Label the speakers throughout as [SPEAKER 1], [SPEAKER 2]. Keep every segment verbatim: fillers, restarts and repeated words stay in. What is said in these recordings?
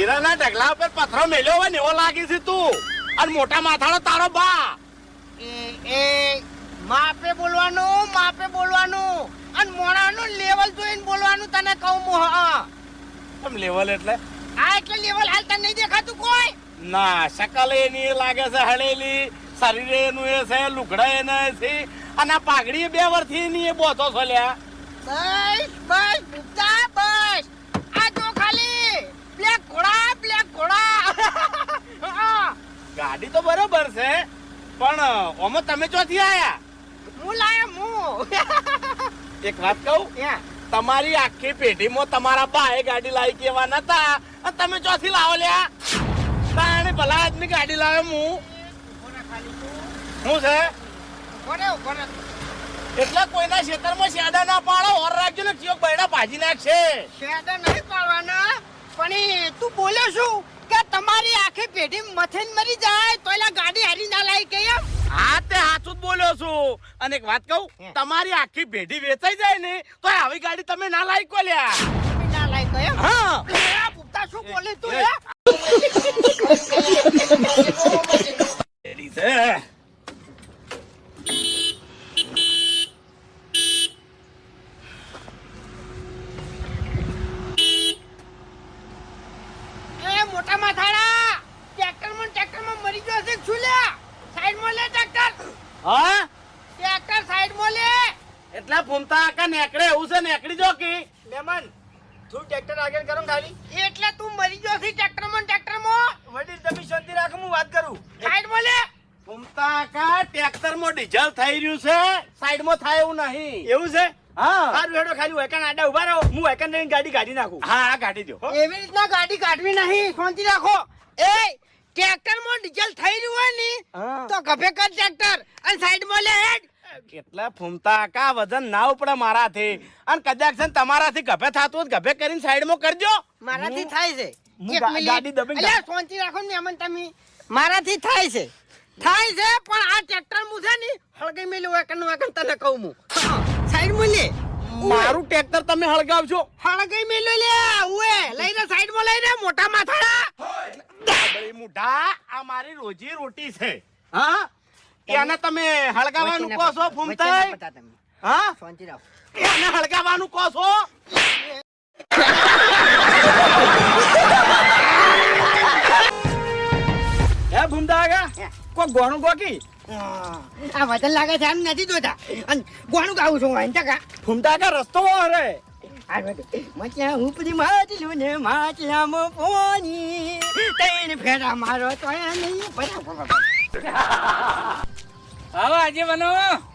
[SPEAKER 1] હીરાના ઢગલા ઉપર પથરો મેલ્યો હોય ને એવો લાગે છે તું. અને મોટા માથાળો તારો બા.
[SPEAKER 2] એ એ માપે બોલવાનું, માપે બોલવાનું અને મોણાનું લેવલ જોઈને બોલવાનું. તને કહું હું હા.
[SPEAKER 1] કેમ લેવલ એટલે?
[SPEAKER 2] આ એટલે લેવલ હાલ તને નહીં દેખાતું કોઈ?
[SPEAKER 1] ના, શકલ એની લાગે છે હળેલી, શરીર એનું એ છે, લુગડા એને છે, અને આ પાઘડી બે વર્ષથી એની એ બોતો છો લ્યા.
[SPEAKER 2] બસ બસ ભૂપતા બસ. આ જો ખાલી બ્લેક ઘોડા, બ્લેક ઘોડા.
[SPEAKER 1] ગાડી તો બરોબર છે, પણ ઓમાં તમે ચોથી આયા?
[SPEAKER 2] હું લાયો હું.
[SPEAKER 1] એક વાત કહું, તમારી આખી પેઢીમાં તમારા બાએ ગાડી લાવી કેવા નતા, અને તમે ચોથી લાવો લ્યા. તાણે ભલા આદમી ગાડી લાવ્યો હું. શું છે?
[SPEAKER 2] કોને કોને
[SPEAKER 1] એટલે કોઈના ખેતરમાં શેડા ના પાડો, ઓર રાખજો ને ચિયોક બૈડા ભાજી નાખશે.
[SPEAKER 2] શેડા નહીં પાડવાના, પણ તું બોલ્યો શું કે તમારી આખી પેઢી મથેન મરી જાય તો એલા ગાડી હારી ના લાવી કે એમ?
[SPEAKER 1] હા, તે સાચું જ બોલ્યો છું. અને એક વાત કહું, તમારી આખી પેઢી વેચાઈ જાય ને તો આવી ગાડી તમે ના લાવી કો લ્યા.
[SPEAKER 2] તમે ના લાવી કે એમ?
[SPEAKER 1] હા.
[SPEAKER 2] પૂછતા શું બોલે તું?
[SPEAKER 1] એ છે
[SPEAKER 2] મોટા માથાડા ટ્રેક્ટર માં ટ્રેક્ટર માં મરી ગયો છે શું લ્યા? સાઈડ માં લે ટ્રેક્ટર.
[SPEAKER 1] હા,
[SPEAKER 2] ટ્રેક્ટર સાઈડ માં લે.
[SPEAKER 1] એટલા ફૂમતા આકા નેકડે એવું છે, નેકડી જો કી
[SPEAKER 2] મેમન તું ટ્રેક્ટર આગળ કરો ખાલી. એટલે તું મરી ગયો છે ટ્રેક્ટર માં ટ્રેક્ટર માં. વડીલ તમે શાંતિ રાખો, હું વાત કરું. સાઈડ માં લે.
[SPEAKER 1] ફૂમતા આકા ટ્રેક્ટર માં ડીઝલ થઈ રહ્યું છે, સાઈડ માં થાય એવું નહીં.
[SPEAKER 2] એવું છે?
[SPEAKER 1] હા,
[SPEAKER 2] સારું હેડો ખાલી વેકન આડા ઉભા રહો, હું વેકન લઈને ગાડી કાઢી નાખું.
[SPEAKER 1] હા હા, કાઢી દો.
[SPEAKER 2] એવી રીતના ગાડી કાઢવી નહીં, શાંતિ રાખો. એ ટ્રેક્ટર માં ડીઝલ થઈ રહ્યું હોય ને તો ગભે કર ટ્રેક્ટર અને સાઈડ માં લે હેડ.
[SPEAKER 1] કેટલા ફૂમતા આકા વજન ના ઉપડે મારાથી, અને કદાચ છે ને તમારાથી ગભે થતું હોય ગભે કરીને સાઈડ માં કરજો.
[SPEAKER 2] મારાથી થાય છે.
[SPEAKER 1] હું
[SPEAKER 2] એક
[SPEAKER 1] ગા-
[SPEAKER 2] મિનિટ.
[SPEAKER 1] ગાડી દબાઈને
[SPEAKER 2] અલ્યા, શાંતિ રાખો ને મેમન તમે. મારાથી થાય છે થાય છે પણ આ ટ્રેક્ટર મુ છે ને હળગઈ મેલું વેકન વેકન તને કહું હું. સાઈડ માં લે.
[SPEAKER 1] મારું ટ્રેક્ટર તમે હળગાવજો.
[SPEAKER 2] હળગઈ મેલું લે. ઉએ લઈ રે સાઈડ માં લઈ રે મોટા માથાડા.
[SPEAKER 1] દાબડી મુઢા, આ મારી રોજી રોટી છે. હા, એને તમે હળગાવાનું કહો છો ફૂમતા? હા,
[SPEAKER 2] શાંતિ રાખો.
[SPEAKER 1] એને હળગાવાનું કહો છો?
[SPEAKER 3] હે ભૂમતા આગા કોઈ ગોણું ગોકી
[SPEAKER 2] આ વજન લાગે છે એમ નથી જોતા અને ગોણું ગાવું છું વાંચા કા
[SPEAKER 3] ભૂમતા આગા રસ્તો રે
[SPEAKER 2] મચલા ઉપરી માછલું ને માછલામાં પોની તૈન ફેરા મારો તો નહીં
[SPEAKER 3] આવો આજે બનો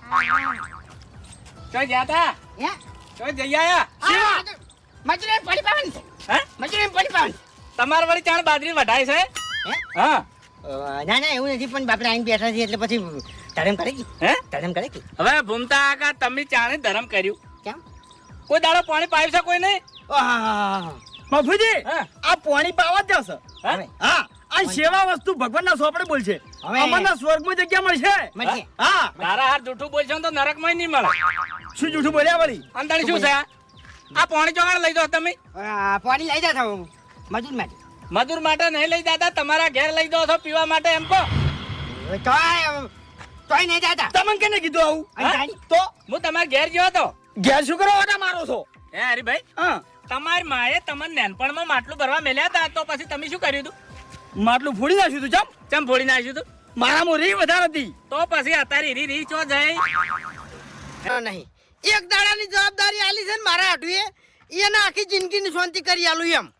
[SPEAKER 3] ચો જાતા
[SPEAKER 2] હે
[SPEAKER 3] ચો જઈ આયા
[SPEAKER 2] મચલે પડી પાવન
[SPEAKER 3] હે
[SPEAKER 2] મચલે પડી પાવન
[SPEAKER 3] તમાર વળી ચાણ બાજરી વઢાય છે
[SPEAKER 2] હે
[SPEAKER 3] હા
[SPEAKER 2] ના ના એવું નથી પણ બાપરે આઈને બેઠા છે એટલે પછી ધરમ કરે કે
[SPEAKER 3] હે
[SPEAKER 2] ધરમ કરે કે
[SPEAKER 3] હવે ભૂમતા આગા તમે ચાણે ધરમ કર્યું
[SPEAKER 2] કેમ
[SPEAKER 3] કોઈ દાડો પાણી પાયું છે કોઈ નહીં
[SPEAKER 4] મફુજી
[SPEAKER 3] હા
[SPEAKER 4] આ પાણી પાવા જ જશે
[SPEAKER 3] હે?
[SPEAKER 4] હા આ સેવા વસ્તુ ભગવાનના સોપડે બોલશે
[SPEAKER 2] હવે-
[SPEAKER 4] અમરના સ્વર્ગમાં જગ્યા મળશે
[SPEAKER 2] મળશે
[SPEAKER 4] હા
[SPEAKER 3] તારા હાથ જૂઠું બોલશો ને તો નરકમાં નહીં મળે
[SPEAKER 4] શું જૂઠું બોલ્યા વળી
[SPEAKER 3] અંદાણી શું છે આ? આ પાણી ચોગાડ લઈ દો તમે
[SPEAKER 2] પાણી લઈ જતા હું મજૂર માટે
[SPEAKER 3] મજૂર માટે નહીં લઈ જતા તમારા ઘેર લઈ દો છો પીવા માટે એમ કહો
[SPEAKER 2] તોય તોય નહીં જતા
[SPEAKER 4] તમને કેને કીધું આવું
[SPEAKER 2] અને તારી?
[SPEAKER 3] તો હું તમારા ઘેર ગયો હતો
[SPEAKER 4] ઘેર શું કરો ઓટા મારો છો
[SPEAKER 3] હે હરીભાઈ
[SPEAKER 4] હા
[SPEAKER 3] તમારી માએ તમને નાનપણમાં માટલું ભરવા મેલ્યા હતા તો પછી તમે શું કર્યું હતું
[SPEAKER 4] માટલું ફોડી નાખ્યું તું ચમ
[SPEAKER 3] ચમ ફોડી નાખ્યું હતું
[SPEAKER 4] મારામાં રી વધારે હતી
[SPEAKER 3] તો પછી અત્યારે હીરી રી ચો જાય
[SPEAKER 2] નહીં એક દાડાની જવાબદારી આલી છે ને મારા હાટુએ એને આખી જિંદગીની શાંતિ કરી આલું એમ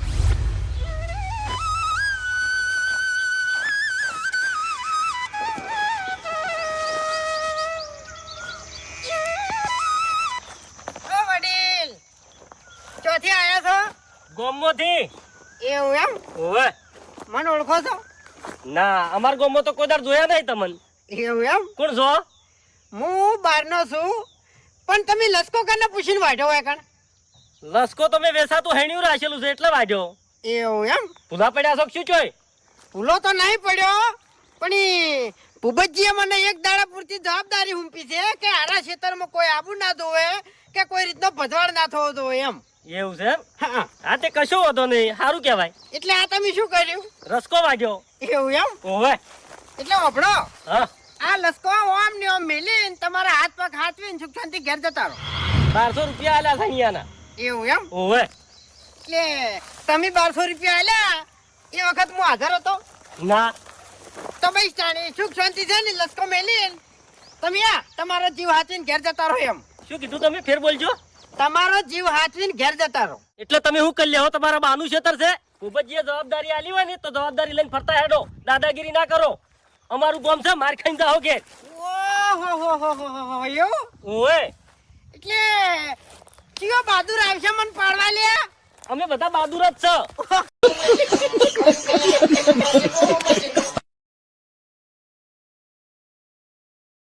[SPEAKER 2] ઓ વડીલ ચોથી આયા છો
[SPEAKER 3] ગોમોથી
[SPEAKER 2] એવું એમ
[SPEAKER 3] ઓવે
[SPEAKER 2] મને ઓળખો છો
[SPEAKER 3] ના અમાર ગોમો તો કોઈ દાડ જોયા નહીં તમને
[SPEAKER 2] એવું એમ
[SPEAKER 3] કોણ છો
[SPEAKER 2] હું બહારનો છું પણ તમે લસકો કાને પૂછીને વાઢો હોય કણ
[SPEAKER 3] લસકો તમે વેસાતું હેણ્યું રાખેલું છે એટલે વાગ્યો
[SPEAKER 2] એવું એમ
[SPEAKER 3] ભૂલા પડ્યા છો કે શું ચોય
[SPEAKER 2] ભૂલો તો નહીં પડ્યો પણ ઈ ભૂપતજીએ મને એક દાડા પૂરતી જવાબદારી હુંપી છે કે આરા ખેતરમાં કોઈ આબુ ના ધોવે કે કોઈ રીતનો ભજવાડ ના થવો જોઈએ એમ
[SPEAKER 5] એવું છે એમ?
[SPEAKER 2] હા
[SPEAKER 5] હા તે કશો વાંધો નહીં, સારું કહેવાય.
[SPEAKER 2] એટલે આ તમે શું કર્યું
[SPEAKER 5] રસકો વાગ્યો.
[SPEAKER 2] એવું એમ
[SPEAKER 5] ઓવે.
[SPEAKER 2] એટલે વાપરો
[SPEAKER 5] હા,
[SPEAKER 2] આ લસકો ઓમ ને ઓમ મેલીને તમારા હાથ પગ હાથવીને સુખ શાંતિ ઘેર જતા રહો.
[SPEAKER 5] બારસો રૂપિયા આલ્યા છે અહીંયાના.
[SPEAKER 2] એવું એમ
[SPEAKER 5] ઓવે.
[SPEAKER 2] એટલે તમે બારસો રૂપિયા આલ્યા એ વખત હું હાજર હતો
[SPEAKER 5] ના,
[SPEAKER 2] તો ભાઈ જાણે સુખ શાંતિ છે ને લસકો મેલીને તમે આ તમારો જીવ હાથવીને ઘેર જતા રહો એમ.
[SPEAKER 5] શું કીધું તમે? ફેર બોલજો.
[SPEAKER 2] તમારો જીવ હાથવીને ઘેર જતા રહો.
[SPEAKER 5] એટલે તમે શું કરી લેવો? તમારા બાનું ખેતર છે. ભૂપતજીએ જવાબદારી આલી હોય ને તો જવાબદારી લઈને ફરતા હેડો. દાદાગીરી ના કરો. અમારું ગામ છે, માર ખાઈને જાઓ ઘેર.
[SPEAKER 2] ઓહો હો હો હો હો એવું
[SPEAKER 5] ઓવે.
[SPEAKER 2] એટલે કયો બહાદુર આવશે મને પાડવા લે.
[SPEAKER 5] અમે બધા બહાદુર જ છે.